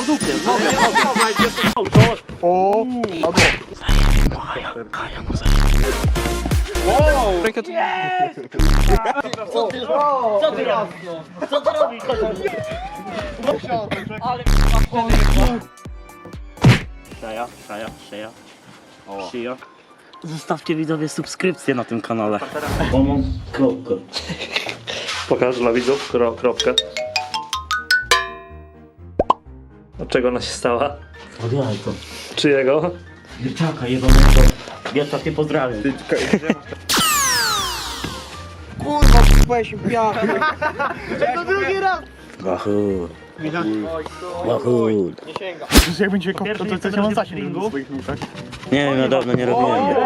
po dupie, mogę. O, Wow! rękę tu... Co ty robisz? Ale Szeja. Zostawcie widzowie subskrypcję na tym kanale. Pokaż dla widzów kropkę. Od czego ona się stała? Od jajko. Czyjego? Wierciaka jebanego. Wierciak nie pozdrawiam. Kurwa, kupałeś mi piachę. To drugi raz. Wahoo. Wahoo. Jak będzie kopał, to coś mam zasięg w swoich nóżach. Nie wiem, ja dawno nie robiłem.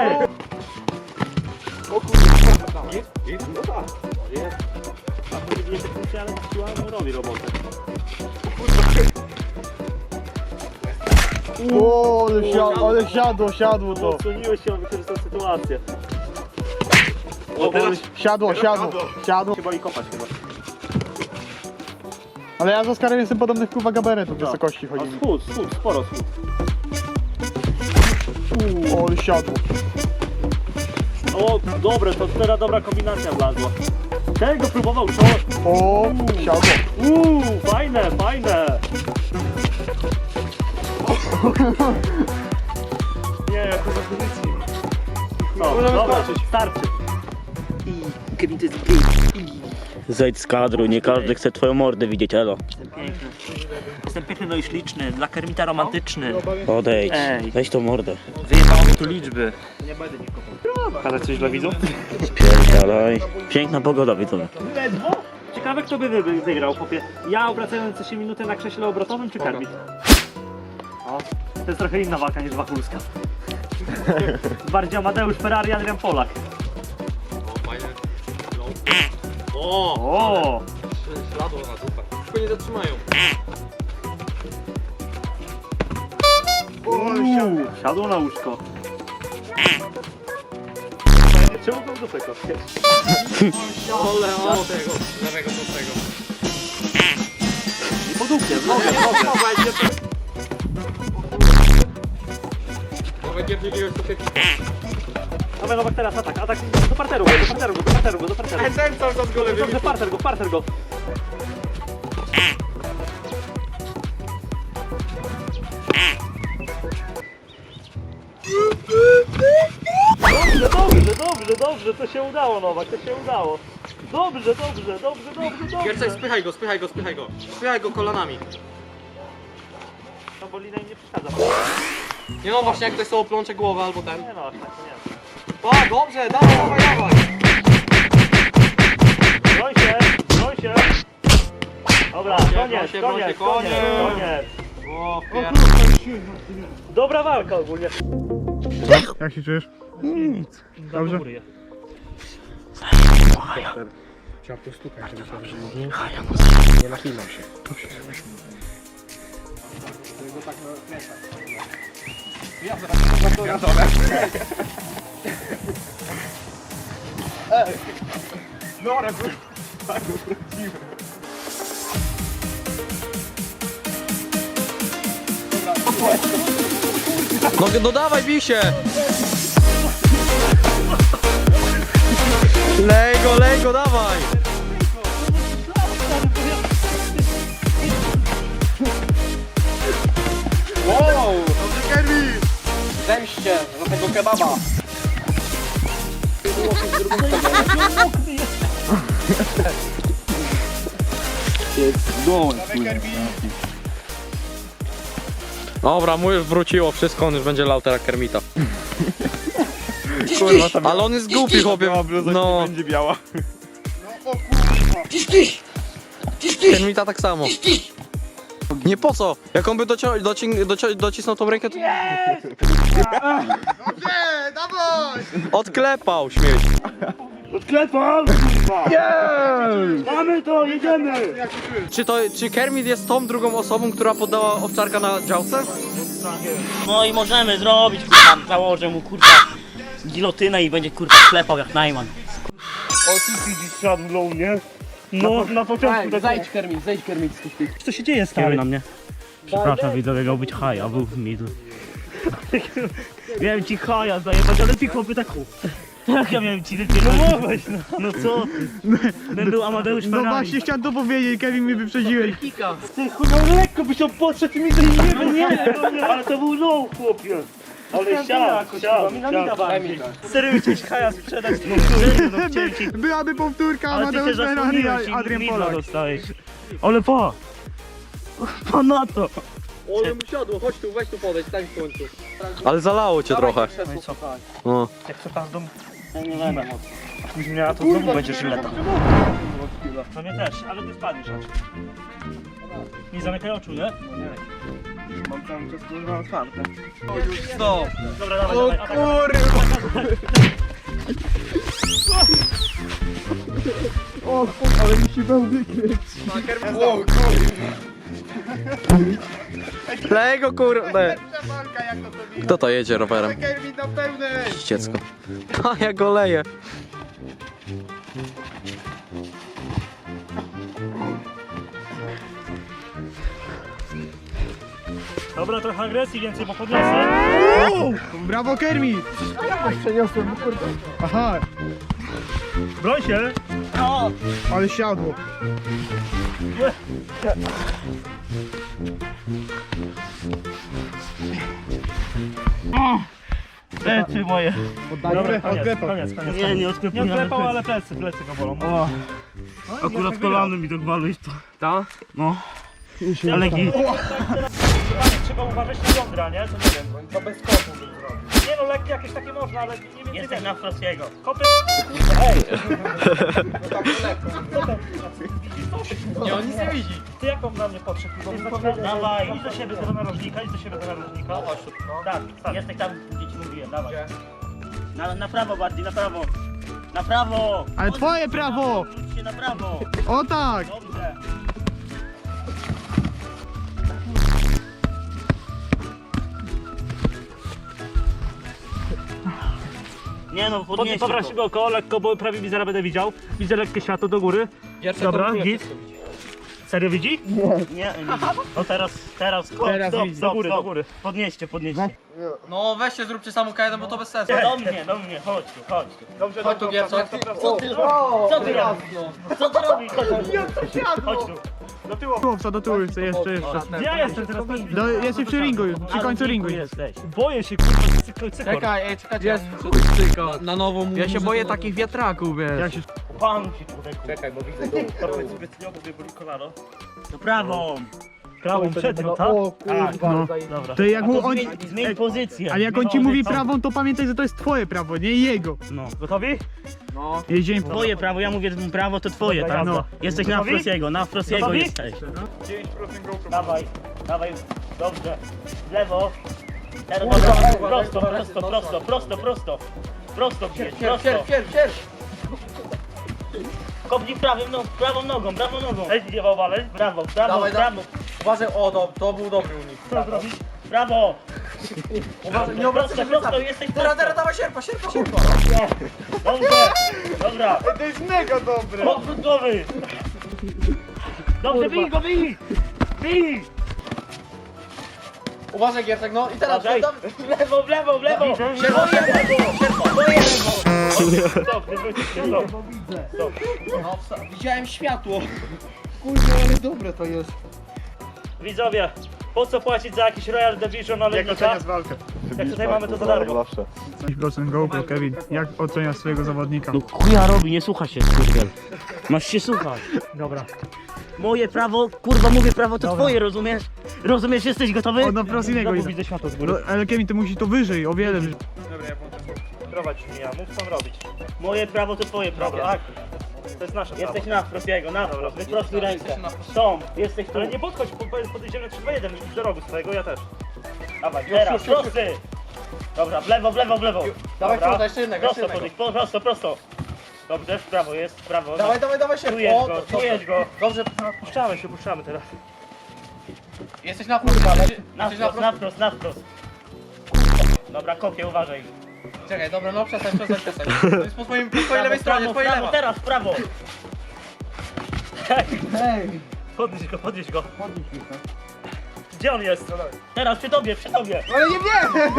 O, ale siadło to. Odsłoniłeś się, on wykorzystał sytuację. Siadło. Chyba i kopać chyba. Ale ja z Oskarem jestem podobnych kurwa gabaretów wysokości chodzi mi. Schód, sporo schód. O, ale siadło. O, dobre, to teraz dobra kombinacja wlazła. Tego próbował, co? O, siadło. Fajne. Nie, jak to za pozycji. No, dobra, starczy. Zejdź z kadru, nie każdy chce twoją mordę widzieć, elo. Jestem piękny, no i śliczny, dla Kermita romantyczny. Odejdź, Ej. weź tą mordę. Wyjebało mi tu liczby. Pokazać coś dla widzów? Spierdalaj. Piękna pogoda, widzowie. Ciekawe, kto by wygrał, chłopie. Ja obracający się minutę na krześle obrotowym, czy Kermit? O, to jest trochę inna walka niż Wachulska. Bardziej Amadeusz Ferrari, Adrian Polak. O! Śladło na dupę. Tylko nie zatrzymają. Siadło na łóżko. Czemu tą dupę kopiesz? Ole, o tego. Lewego do tego. Po dupie, mogę. To będzie wybierać to szybko. Dobra, Nowak teraz atak do parteru. Ten cały czas go lewy. Dobrze, parter go. Dobrze, to się udało, Nowak, to się udało. Dobrze. Gierczek, spychaj go. Spychaj go kolanami. No bo lina im nie przeszkadza. Nie no, właśnie jak ktoś sobie plącze głowę albo ten. Nie no, aż tak to nie. O, dobrze, dawaj. Broń się. Dobra, koniec. O, Dobra walka ogólnie. Jak się czujesz? Dobrze. Trzeba postukać, żeby się nie nachylał się. No dawaj, bij się! Lej go, dawaj! Wow! Dobrze, Kermi! Zemście za tego kebaba! Dobra, mu już wróciło wszystko, on już będzie lał teraz Kermita. Kurwa, tam Ale on jest głupi, chłopie. No, będzie biała. Kermita tak samo. Nie po co? Jak on by docisnął tą rękę, to... Odklepał śmieć. Odklepam! Mamy to, jedziemy! Czy Kermit jest tą drugą osobą, która poddała owczarka na działce? No i możemy zrobić, kurwa, założę mu, kurwa, gilotynę i będzie, kurwa, klepał jak Najman. O, ty widzisz szadlą, nie? No, na początku tak... Zejdź Kermit z tych. Co się dzieje z na mnie? Przepraszam, widzowie, miał być haj, a był w midu. Miałem ci haja zajebać, ale ty chłopy tak... Jak ja miałem ci wypierdolić? No co ty? Ten był Amadeusz No Ferrari. właśnie chciałem to powiedzieć, Kevin, mnie wyprzedziłeś. Ty chuj, lekko byś on podszedł i mi to nie, ale to był low, chłopie. Ale siał. Serio chciałeś haja sprzedać? No serio, no chciałem ci... Byłaby powtórka Ale ty się Amadeusz Ferrari, zasłoniłeś i Adrian midla Polak. dostałeś. Ale pa! Pa na to! Ole mu siadło, chodź tu, weź tu podejść, tak w końcu. Ale zalało cię trochę. No i co? No. Jak przepasz dom? Ja nie będę mocno. Jak będziesz miała, to znowu będziesz lata. No mnie też, ale ty spadniesz raczej. Nie zamykaj oczu, nie? Mam cały czas kurwa otwarte. Stop. Dobra, dawaj, dawaj. Ale mi się będę kręcić. Lego kurde. Kto to jedzie rowerem? Kevin na pełnej. Dziecko. A ja go leję. Dobra, trochę agresji więcej, bo podniosę. Brawo Kermit! Przeniosłem, kurde. Aha, Broń się! ale siadło. Plecy moje. Odklepał. Koniec. Nie, nie odklepał. Nie odklepał, ale plecy go bolą. O. Akurat kolano mi tak waluje to. Ta? No. Ale git. Trzeba uważać na jądra, nie? To nie wiem. To bez kopu bym zrobił. Nie no, lekkie jakieś takie można, ale nie wiem. Jestem na Frosiego. Kopy. Ej! Nie, on nic nie widzi. Ty jaką na mnie podszedł? Dawaj, idź do siebie do narożnika, idź do siebie do narożnika. No chodź tu. Tak, jesteś tam, gdzie ci mówiłem, dawaj. Na prawo bardziej, na prawo. Na prawo! Ale twoje prawo! Wróć się na prawo. O tak! Dobrze. Nie no, podnieś się go około, lekko, bo prawie mi zaraz będę widział. Widzę lekkie światło do góry. Dobra, git. Serio widzi? Nie, nie. No teraz, stop, do góry. Podnieście. No weźcie, zróbcie samą K1, bo to bez sensu. Do mnie, chodź tu. Dobrze, Chodź tu, Gierco. Co ty robisz? Co ty robisz? Chodź tu. Do tyłu, jeszcze. Gdzie ja jestem teraz? Jesteś przy ringu już, przy końcu ringu. jesteś. Boję się, kurwa, cykor. Czekajcie. Na nowo mu. Ja się boję takich wiatraków, wiesz. Jak się... Panuj się, człowieku. Czekaj, bo widzę dół. To powiedz zbytnio, bo mnie boli kolano. To prawą. Prawą, przednią, tak? Tak, No. dobra. To jak mu on... Zmień pozycję. Ale jak on ci mówi prawą, to pamiętaj, że to jest twoje prawo, nie jego. No, gotowi? Jedziemy. Twoje prawo, ja mówię prawo, to twoje, tak? No. Jesteś na Gotowi? Frosiego Gotowi? jesteś. Dawaj, dobrze. W lewo. Teraz prosto. Prosto bierz, prosto. Kopnij prawą nogą. Ej, nie wałbalej. Brawo. Dawaj. Uważaj, to był dobry unik. Co zrobić? Brawo. Uważaj, nie obracaj Prosto, jesteś prosto. Teraz dawaj sierpa. Dobrze, dobra. To jest mega dobre. Podwrót głowy. Dobrze, bij. Uważaj, Giercek, no i teraz. Uważaj. W lewo. Stop, nie wrócisz się, stop. Widziałem światło. Widzowie, po co płacić za jakiś Royal Division na lewnika? Jak tutaj mamy to za darmo. 5% GoPro, Kevin. Jak oceniasz swojego zawodnika? No chuja robi, nie słucha się, kurde. Masz się słuchać. Dobra. Moje prawo, kurwa mówię prawo, to twoje, rozumiesz? Rozumiesz, jesteś gotowy? O, no wprost innego Znowu jest. widzę światło z No, góry. ale Kevin, ty musisz to wyżej, o wiele wyżej. Prowadź mnie, ja mów co robić. Moje prawo to twoje prawo, tak? To jest nasze prawo. Jesteś na Frosiego, wyprostuj rękę. Jesteś tu. Ale nie podchodź, podejdziemy 3-2-1, idź do rogu swojego, ja też. Dawaj, teraz, prosty! Dobra, w lewo. Dawaj, Dobra. jeszcze jednego. Prosto. Dobrze, w prawo jest, w prawo. Dawaj sierpa. Czujesz go. Dobrze. Puszczamy teraz. Jesteś na prosto. Na wprost. Dobra, kopię, uważaj. Czekaj, dobra, no przestań. To jest po twojej lewej stronie, twojej lewa. Teraz, w prawo. Hej! Podnieś go. Gdzie on jest? Teraz przy tobie, przy tobie. Ale nie wiem!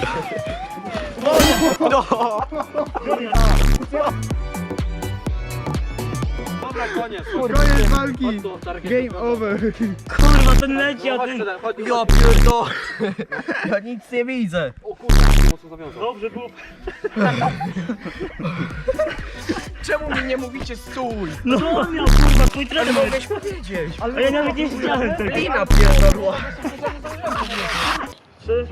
Dobra, koniec. Koniec walki! Game over! Kurwa, ten leci, a ty... Ja pierdolę. Ja nic nie widzę. O kurwa, mocno zawiązał. Dobrze było. Czemu mi nie mówicie stój? No on miał, kurwa, twój trener. Mogłeś powiedzieć! A ja nawet nie widziałem tego. Lina pierdolła! 3,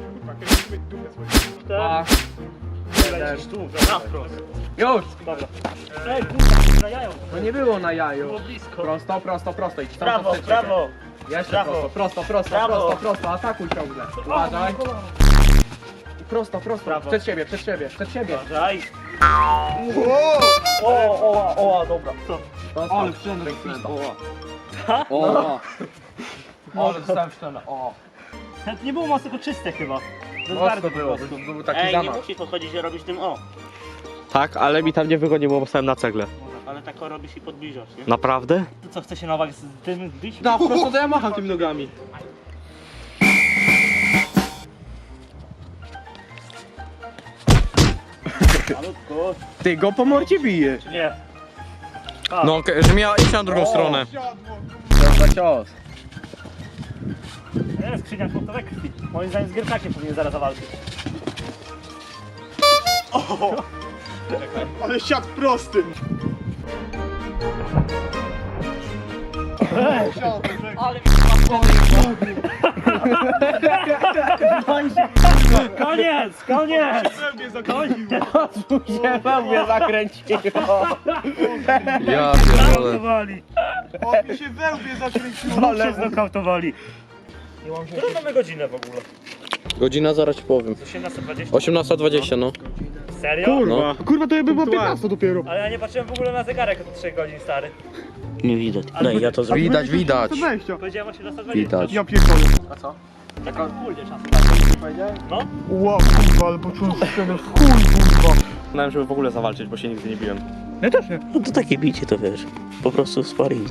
4, lecisz tu, na wprost. Już! Dobra. Ej, kurwa, na jajo. No nie było na jaju. Było blisko. Prosto, prosto, prosto. Idź tam, Brawo, tam, brawo. Jeszcze Brawo. prosto, prosto, prosto, Brawo. prosto, prosto. Atakuj ciągle. Uważaj. Prosto, prosto. Brawo. Przed siebie, przed siebie, przed siebie. Uważaj. O, dobra. Co? Prosto. Ale wszędzie Ha? O. Ale dostałem szczelę. O. To nie było mocno czyste chyba. To jest Mocno bardzo było, po prostu. był taki Ej, nie zamach. musisz podchodzić, że robisz tym o. Tak, ale mi tam nie wygodnie, bo stałem na cegle. Ale tak o robisz i podbliżasz, nie? Naprawdę? To co, chce się Nowak z tym bić? No, prosto to ja macham tymi nogami. Malutko. Ty go po morcie bije. Nie. No, że miała iść na drugą stronę. Za cios. Nie, skrzynia punktowe krwi. Moim zdaniem z Gierczakiem powinien zaraz zawalczyć. Ale siadł prosty. Koniec! Koniec! Się we mnie zakręciło. Ja pierdolę. Znokautowali! się we mnie zakręciło. Znów się znokautowali. Którą mamy godzinę w ogóle? Godzina, zaraz ci powiem. 18:20? 18:20, no. Serio? No. Kurwa, to jakby było 15 dopiero. Ale ja nie patrzyłem w ogóle na zegarek od 3 godzin, stary. Nie widać. Daj, ja to zrobię. Widać, widać. Powiedziałem 18:20. Widać. Ja pierdolę. Tak ogólnie czas. No? Wow, kurwa, ale poczułem szczelę. Chuj, kurwa. Znałem, żeby w ogóle zawalczyć, bo się nigdy nie biłem. Ja też nie. No to takie bicie to wiesz. Po prostu sparring.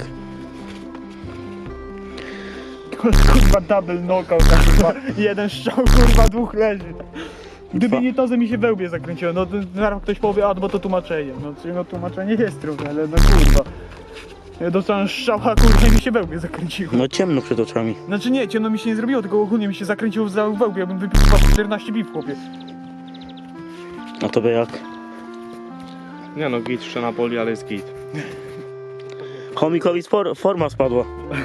Kurwa, double knockout, kurwa. Jeden strzał, kurwa, dwóch leży. Gdyby nie to, że mi się we łbie zakręciło, no to zaraz ktoś powie, a bo to tłumaczenie. No tłumaczenie jest trudne, ale no kurwa. Ja dostałem strzała, kurwa, i mi się we łbie zakręciło. No ciemno przed oczami. Znaczy nie, ciemno mi się nie zrobiło, tylko ogólnie mi się zakręciło we łbie, jakbym wypił 14 biw, chłopie. A tobie jak? Nie no, git jeszcze na poli, ale jest git. Chomikowi forma spadła.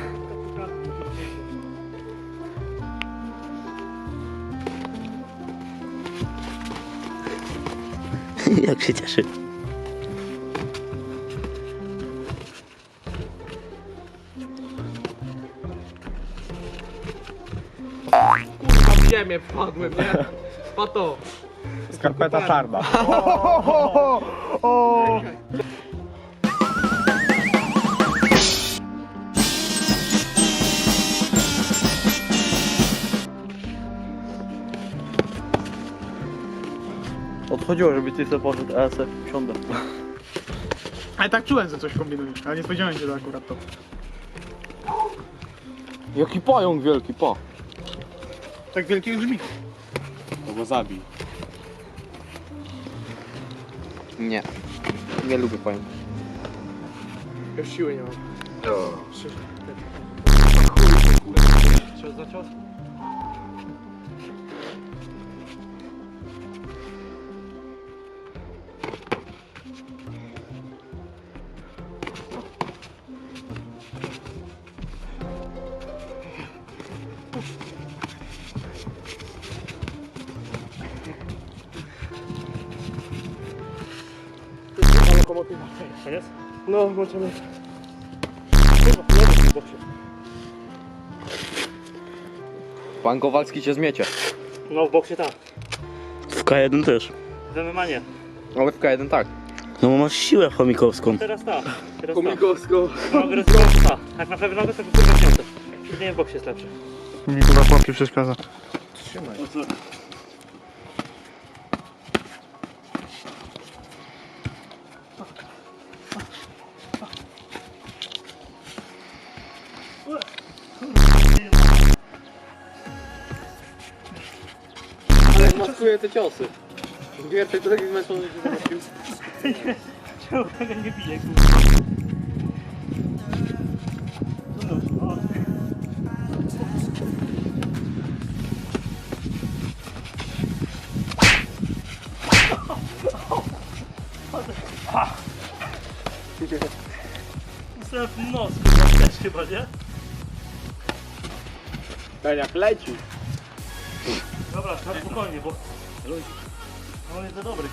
Jak się cieszy. W ziemię wpadłem, nie? Pato. Skarpeta czarna. Odchodziło, żeby ty sobie poszedł, a ja sobie siądę. Ale tak czułem, że coś kombinujesz, ale nie spodziewałem się, że akurat to. Jaki pająk wielki, pa. Tak wielkie brzmi. No go zabij. Nie. Nie lubię pająków. Już siły nie mam. Cios za cios? Koniec? No, możemy. Pan Kowalski cię zmiecie. No w boksie tak. W K1 też. W MMA nie. Ale w K1 tak. No bo masz siłę chomikowską. Teraz tak. Teraz tak. Komikowsko. No agresywność tak. Jak na pewno nogę to kurwa wziąte. Nie w boksie jest lepsze. Mi kurwa chłopie przeszkadza. Maskuję te ciosy. Giertek to taki zmęczony, że się zobaczył. Czemu tego nie bije, kurwa? O. Dostałem w nos, kurwa, też chyba, nie? Ten jak leci. Dobra, na spokojnie, bo on jest za dobry.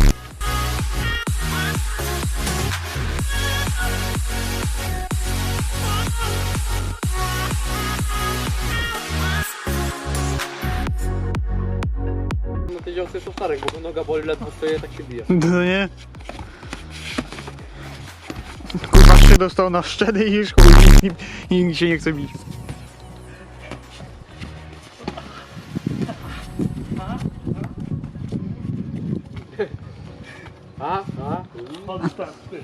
No te ciosy są starek, bo noga boli, ledwo stoję, tak się bije. No nie? Kurwa 3 dostał na szczedy i już chuj, i nikt się nie chce bić. Chodź tak, ty.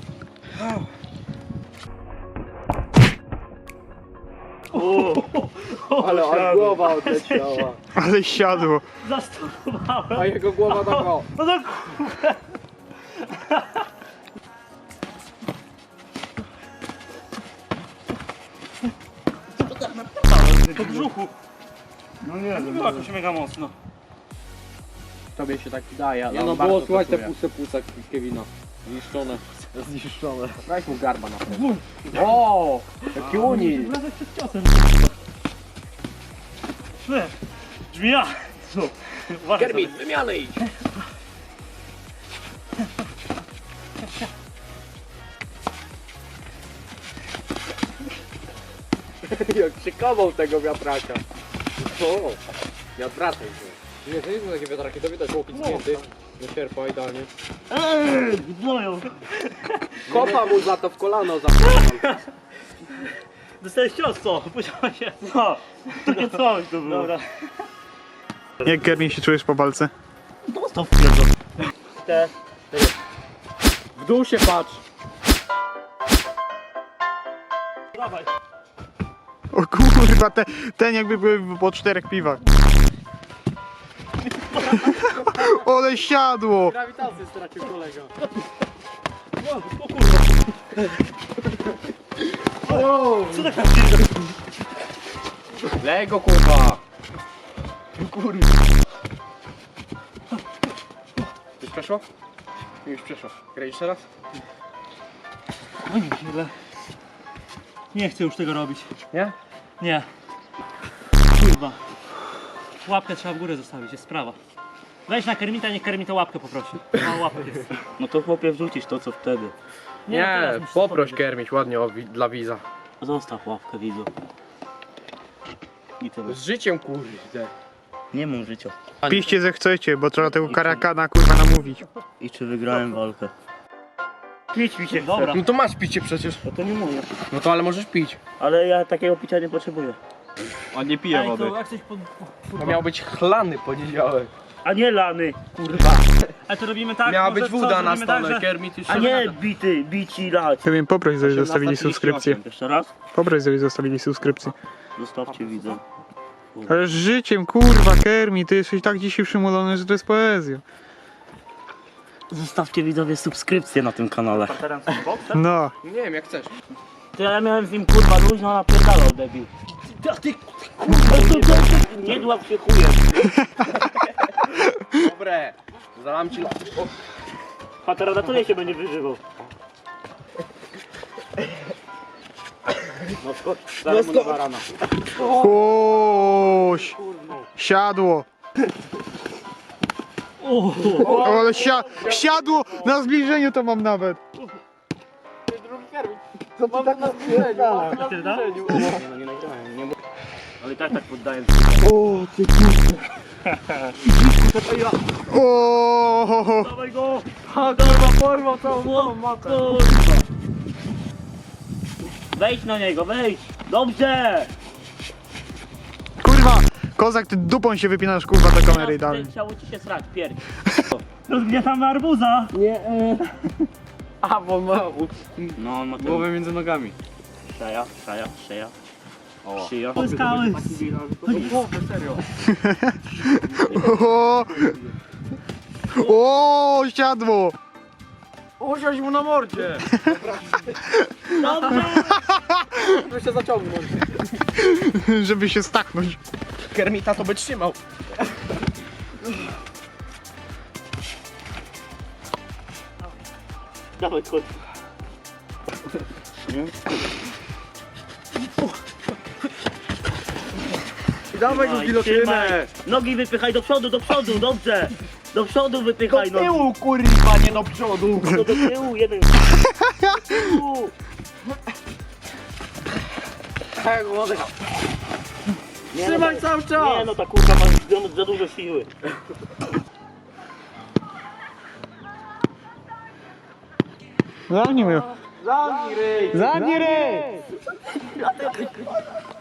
Ale aż głowa odleciała. Ale siadło. Zastosowałem. A jego głowa taka. No to kurwa. Po brzuchu. No nie, to było jakoś mega mocno. Tobie się tak daje, ale Nie no, było słuchać te puste płuca Kevina. Zniszczone. zniszczone. Weź mu garba na pewno. O, jaki unil. Wlazek przed ciosem. Nie, drzmia. Uważaj sobie. Kermit, wymiany idź. Jak szykował tego wiatraka. O, ja wracaj się. Nie, to nie są takie wiatraki, to widać łokieć zdjęty. Nie sierpa idealnie. Gnoją. Kopa mu za to w kolano za. Dostałeś cios, co? Powiedziałem się. No, takie coś to było. Dobra. Jak Kermin się czujesz po walce? Dostał w pierdol. Te. W dół się patrz. Dawaj. O kurwa, ten jakby był po 4 piwach. Ole siadło! Grawitację stracił kolega. O kurwa. Co tak pierdol? Lej go kurwa. Już przeszło? Już przeszło. Graj jeszcze raz? No nie źle. Nie chcę już tego robić. Nie? Nie. Kurwa. Łapkę trzeba w górę zostawić, jest sprawa. Weź na Kermita, niech Kermita łapkę poprosi. Mało łapek jest. No to chłopie wrzucisz to co wtedy. no teraz musisz powiedzieć. Kermić ładnie dla widza. Zostaw łapkę widzu. I tyle. Z życiem kurde. Nie mam życia. Piszcie, że chcecie, bo trzeba tego karakana kurwa namówić. I czy wygrałem walkę? Pić mi się, dobra. No to masz picie przecież. No to nie mówię. No to ale możesz pić. Ale ja takiego picia nie potrzebuję. A nie pije Ej, wody. to jak coś pod... To miał być chlany poniedziałek. A nie lany. Kurwa. A to robimy tak? Miała może być co, woda na zrobimy tak, stole. że- Kermit już A nie bity, bici lać. Kermin, poproś, żeby zostawili subskrypcję. Jeszcze raz? Poproś, żeby zostawili subskrypcję. Zostawcie widzę. Ale z życiem, kurwa, Kermin, ty jesteś tak dzisiaj przymulony, że to jest poezja. Zostawcie widzowie subskrypcję na tym kanale. Teraz boksem? No. Nie wiem jak chcesz. To ja miałem z nim kurwa luźno napierdalał debil. Ty kurwa, nie dław się chujem. Dobre. Zalam ci Patera na tyle się będzie wyżywał. No skocz, zaraz mu na rana. Oś, siadło. O, ale siadło, na zbliżeniu to mam nawet. Ty da? No nie nagrałem, nie ale i tak poddaję. O, Dawaj go! Porwał całą matkę. Wejdź na niego, wejdź! Dobrze! kurwa, kozak, ty dupą się wypinasz, kurwa, do kamery i dalej. Chciało ci się srać, pierdź. Rozgniatamy arbuza! A, bo ma No, on ma głowę między nogami. szeja. Skały. O, siadło! Usiądź mu na mordzie! Dobrze. Żeby się zaciągnąć. Żeby się staknąć. Kermita to by trzymał. Dawaj kot. Dawaj go Trzymaj, gilotynę! trzymaj. Nogi wypychaj do przodu, dobrze. Do przodu wypychaj nogi. Kurwa, nie do przodu! Do tyłu, jeden. Do tyłu. Nie, Trzymaj no, cały czas! Nie no, ta kurwa ma za dużo siły. Zamknij mnie. Zamknij ryj! Zamknij ryj!